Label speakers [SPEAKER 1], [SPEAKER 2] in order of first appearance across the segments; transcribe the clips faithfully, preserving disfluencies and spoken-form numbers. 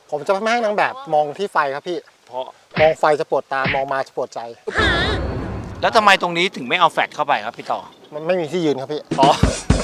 [SPEAKER 1] ผมจะไม่ให้นางแบบมองที่ไฟครับพี่เพราะมองไฟจะปวดตามองมาจะปวดใจ
[SPEAKER 2] แล้วทำไมตรงนี้ถึงไม่เอาแฟลชเข้าไปครับพี่ต่อ
[SPEAKER 1] มันไม่มีที่ยืนครับพี่
[SPEAKER 2] อ๋อ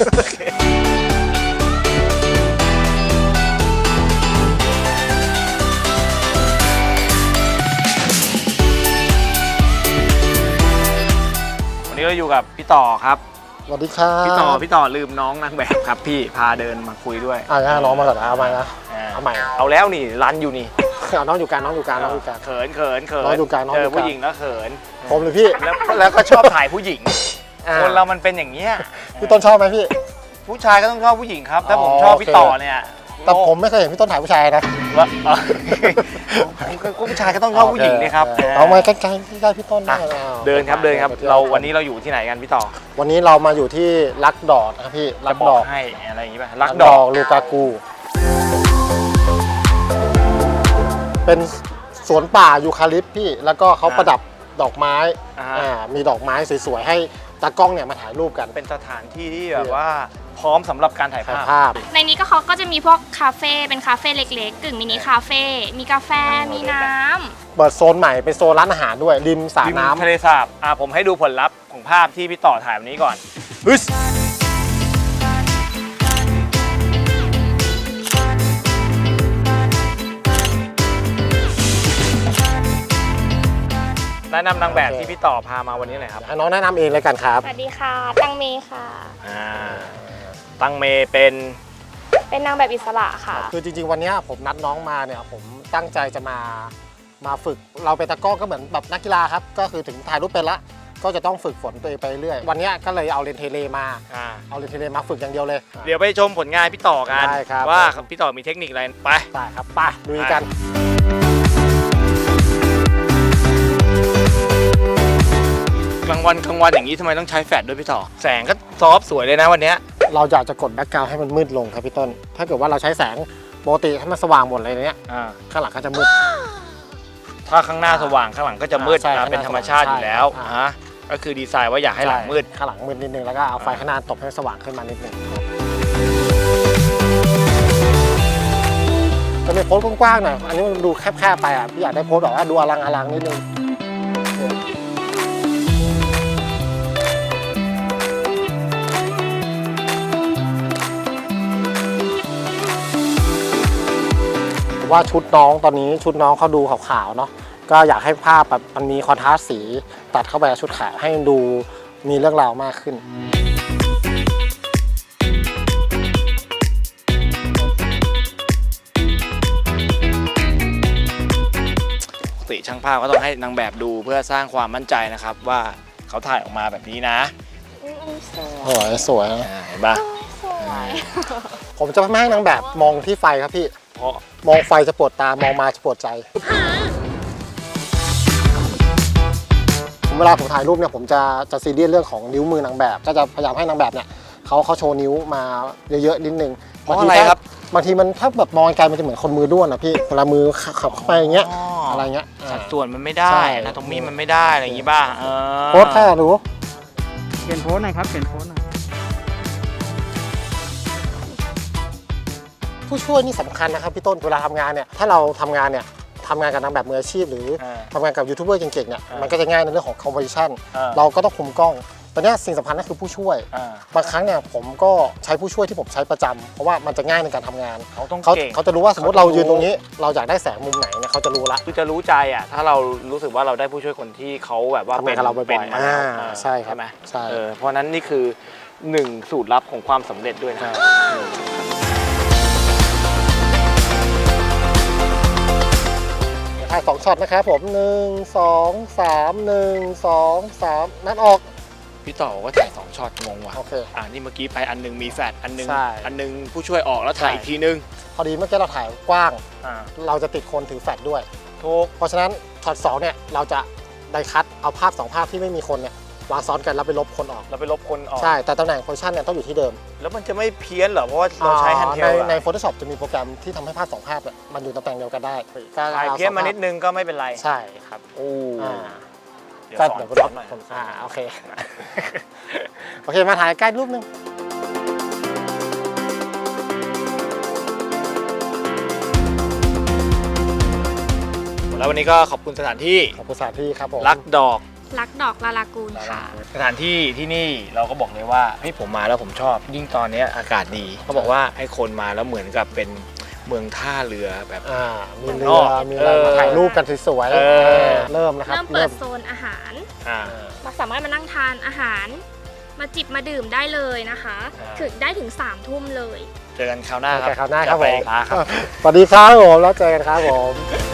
[SPEAKER 2] วันนี้เราอยู่กับพี่ต่อครับ
[SPEAKER 1] สวัสดีครับ
[SPEAKER 2] พี่ต่อพี่ต่อลืมน้องนางแบบครับพี่พาเดินมาคุยด้วย
[SPEAKER 1] อ่าน้องมาก่อนเอาใหม่นะเอาใหม่
[SPEAKER 2] เอาแล้วนี่รันอยู่นี่
[SPEAKER 1] น้องอยู่การน้องอยู่การน้องอยู่การ
[SPEAKER 2] เขินเขินเขิน
[SPEAKER 1] น้องอยู่การน้อง
[SPEAKER 2] เจอผู้หญิงแล้วเขิน
[SPEAKER 1] ผมเลยพี่
[SPEAKER 2] แล้วแล้วก็ชอบถ่ายผู้หญิงคนเรามันเป็นอย่างเงี้ย
[SPEAKER 1] พี่ต้นชอบไหมพี่
[SPEAKER 2] ผู้ชายก็ต้องชอบผู้หญิงครับถ้าผมชอบพี่ต่อเนี่ย
[SPEAKER 1] แต่ผมไม่เคยเห็นพี่ต้นถ่ายผู้ชายนะ
[SPEAKER 2] ว่าผู้ชายก็ต้องชอบผู้หญิงเลยครับ
[SPEAKER 1] เอามาใกล้ๆใกล้พี่ต้น
[SPEAKER 2] เดินครับเดินครับเราวันนี้เราอยู่ที่ไหนกันพี่ต่อ
[SPEAKER 1] วันนี้เรามาอยู่ที่ลักดอดครับพี่
[SPEAKER 2] ลักดอกให้อะไรอย่างงี้ป่ะ
[SPEAKER 1] ลักดอกลูกากูเป็นสวนป่ายูคาลิปพี่แล้วก็เขาประดับดอกไม้อ่ามีดอกไม้สวยๆให้ตากล้องเนี่ยมาถ่ายรูปกัน
[SPEAKER 2] เป็นสถานที่ที่แบบว่าพร้อมสำหรับการถ่ายภาพ
[SPEAKER 3] ในนี้ก็เขาก็จะมีพวกคาเฟ่เป็นคาเฟ่เล็กๆกึ่งมินิคาเฟ่มีกาแฟมีน้
[SPEAKER 1] ำเปิดโซนใหม่เป็นโซนร้านอาหารด้วยริมสระน้ำ
[SPEAKER 2] ทะเลสาบอ่าผมให้ดูผลลัพธ์ของภาพที่พี่ต่อถ่ายวันนี้ก่อนแนะนำนางแบบที่พี่ต่อพามาวันนี้หน่อยครับ
[SPEAKER 1] ให้น้องแนะนำเองเลยกันครับ
[SPEAKER 3] สวัสดีค่ะตังเมค่ะ
[SPEAKER 2] อ่าตังเมเป็น
[SPEAKER 3] เป็นนางแบบอิสระค่ะ
[SPEAKER 1] คือจริงๆวันนี้ผมนัดน้องมาเนี่ยผมตั้งใจจะมามาฝึกเราเป็นตะก้อก็เหมือนแบบนักกีฬาครับก็คือถึงถ่ายรูปเป็นละก็จะต้องฝึกฝนตัวเองไปเรื่อยวันนี้ก็เลยเอาเลนเทเลมาเอาเลนเทเลมาฝึกอย่างเดียวเลย
[SPEAKER 2] เดี๋ยวไปชมผลงานพี่ต่อกันว่าพี่ต่อมีเทคนิคอะไรไป
[SPEAKER 1] ไปครับไปดูกัน
[SPEAKER 2] กลางวันกลางวันอย่างนี้ทำไมต้องใช้แฟลชด้วยพี่ต่อแสงก็ซอฟสวยเลยนะวันนี้
[SPEAKER 1] เราอยากจะกดแบ็คกราวด์ให้มันมืดลงครับพี่ต้นถ้าเกิดว่าเราใช้แสงปกติให้มันสว่างหมดเลยเนี้ยข้างหลังก็จะมืด
[SPEAKER 2] ถ้าข้างหน้าสว่างข้างหลังก็จะมืดเป็นธรรมชาติอยู่แล้วฮะก็คือดีไซน์ว่าอยากให้หลังมืด
[SPEAKER 1] ข้างหลังมืดนิดนึงแล้วก็เอาไฟข้างหน้าตบให้สว่างขึ้นมานิดนึงจะเป็นโพสกว้างๆหน่อยอันนี้มันดูแคบๆไปอ่ะพี่อยากได้โพสแบบว่าดูอลังอลังนิดนึงว่าชุดน้องตอนนี้ชุดน้องเขาดูขาวๆเนาะก็อยากให้ภาพแบบมันมีคอนทราสต์สีตัดเข้าไปกับชุดขาวให้ดูมีเรื่องราวมากขึ้น
[SPEAKER 2] ปกติช่างภาพก็ต้องให้นางแบบดูเพื่อสร้างความมั่นใจนะครับว่าเขาถ่ายออกมาแบบนี้นะ
[SPEAKER 1] สวยสวย
[SPEAKER 2] เห็นปะ
[SPEAKER 1] ผมจะไม่ให้นางแบบมองที่ไฟครับพี่เพราะมองไฟจะปวดตามองมาจะปวดใจเวลาผมถ่ายรูปเนี่ยผมจะจะซีเรียสเรื่องของนิ้วมือนางแบบก็จะพยายามให้นางแบบเนี่ยเขาเขาโชว์นิ้วมาเยอะๆนิดนึง
[SPEAKER 2] บางทีครับ
[SPEAKER 1] บางทีมันถ้าแบบมองไกลมันจะเหมือนคนมือด้วนอ่ะพี่เวลามือขับเข้าไปอย่างเงี้ยอะไรเงี้ย
[SPEAKER 2] สัดส่วนมันไม่ได้นะตรงนี้มันไม่ได้อะไรอย่างงี้บ้าง
[SPEAKER 1] โพสท่าดู
[SPEAKER 4] เปลี่ยนโพสหน่อยครับเปลี่ยนโพสหน่อย
[SPEAKER 1] ผู้ช่วยนี่สำคัญนะครับพี่ต้นเวลาทำงานเนี่ยถ้าเราทำงานเนี่ยทำงานกับนางแบบมืออาชีพหรือทำงานกับยูทูบเบอร์เก่งๆเนี่ยมันก็จะง่ายในเรื่องของคอมโพสิชันเราก็ต้องคุมกล้องตอนนี้สิ่งสำคัญก็คือผู้ช่วยบางครั้งเนี่ยผมก็ใช้ผู้ช่วยที่ผมใช้ประจำเพราะว่ามันจะง่ายในการทำงาน
[SPEAKER 2] เขาต้อง
[SPEAKER 1] เขาเขาจะรู้ว่าสมมติเรายืนตรงนี้เราอยากได้แสงมุมไหนเนี่ยเขาจะรู้ละ
[SPEAKER 2] คือจะรู้ใจอ่ะถ้าเรารู้สึกว่าเราได้ผู้ช่วยคนที่เขาแบบว่า
[SPEAKER 1] เป็นเราบ่อยๆใช่ครับ
[SPEAKER 2] ใช่ไหมใช่เพราะนั้นนี่คือหนึ่งสูตรลับของความสำเร็จด้วยนะ
[SPEAKER 1] ถ่ายสองช็อตนะครับผมหนึ่งสองสามหนึ่งสองสามนัดออก
[SPEAKER 2] พี่ต่อก็ถ่ายสองช็อตงงว่ะ
[SPEAKER 1] โอเค
[SPEAKER 2] อ่านี่เมื่อกี้ไปอันนึงมีแฟลชอันนึงอันนึงผู้ช่วยออกแล้วถ่ายอีกทีนึง
[SPEAKER 1] พอดีเมื่อกี้เราถ่ายกว้างเราจะติดคนถือแฟลชด้วย
[SPEAKER 2] ถูก
[SPEAKER 1] เพราะฉะนั้นช็อตสองเนี่ยเราจะไดคัทเอาภาพสองภาพที่ไม่มีคนเนี่ยวางซ้อนกันแล้วไปลบคนออก
[SPEAKER 2] เราไปลบคนออก
[SPEAKER 1] ใช่แต่ตำแหน่งโพซิชันเนี่ยต้องอยู่ที่เดิม
[SPEAKER 2] แล้วมันจะไม่เพี้ยนเหรอเพราะว่าเราใช้แฮนด์เทล
[SPEAKER 1] ในใน Photoshop จะมีโปรแกรมที่ทำให้ภาพสองภาพเนี่ยมันอยู่ตำแหน่งเดียวกันได้
[SPEAKER 2] ถ่ายเพี้ยนมานิดนึงก็ไม่เป็นไร
[SPEAKER 1] ใช่ครับ
[SPEAKER 2] โอ้
[SPEAKER 1] ก็เดี๋ยวลบหน่อยอ่าโอเคโอเคมาถ่ายใกล้รูปนึง
[SPEAKER 2] โแล้ววันนี้ก็ขอบคุณสถานที่
[SPEAKER 1] ขอบคุณสถานที่ครับผม
[SPEAKER 2] รักดอก
[SPEAKER 3] รักดอกลาลากูนค่ะ
[SPEAKER 2] สถานที่ที่นี่เราก็บอกเลยว่าเฮ้ยผมมาแล้วผมชอบ ยิ่งตอนนี้อากาศดีเขาบอกว่าให้คนมาแล้วเหมือนกับเป็นเมืองท่าเรือแบบ
[SPEAKER 1] อ่ามีเรื
[SPEAKER 2] นอ
[SPEAKER 1] อก มีอะไร
[SPEAKER 2] เออ
[SPEAKER 1] มาถ่ายรูปกันสวย
[SPEAKER 2] เออ
[SPEAKER 1] ๆเริ่มนะครับ
[SPEAKER 3] เริ่มเปิดโซนอาหาร
[SPEAKER 2] อ่า
[SPEAKER 3] มาสามารถมานั่งทานอาหาร มาจิบมาดื่มได้เลยนะคะ
[SPEAKER 2] อ่า
[SPEAKER 3] ถึงได้ถึงสามทุ่มเลย
[SPEAKER 2] เจอกันคราวหน้าครับ
[SPEAKER 1] เจอกันคราวหน้าครับ
[SPEAKER 2] จะไป
[SPEAKER 1] ผม
[SPEAKER 2] ร้านครับ
[SPEAKER 1] สวัสดีครับผมแล้วเจอกันครับผม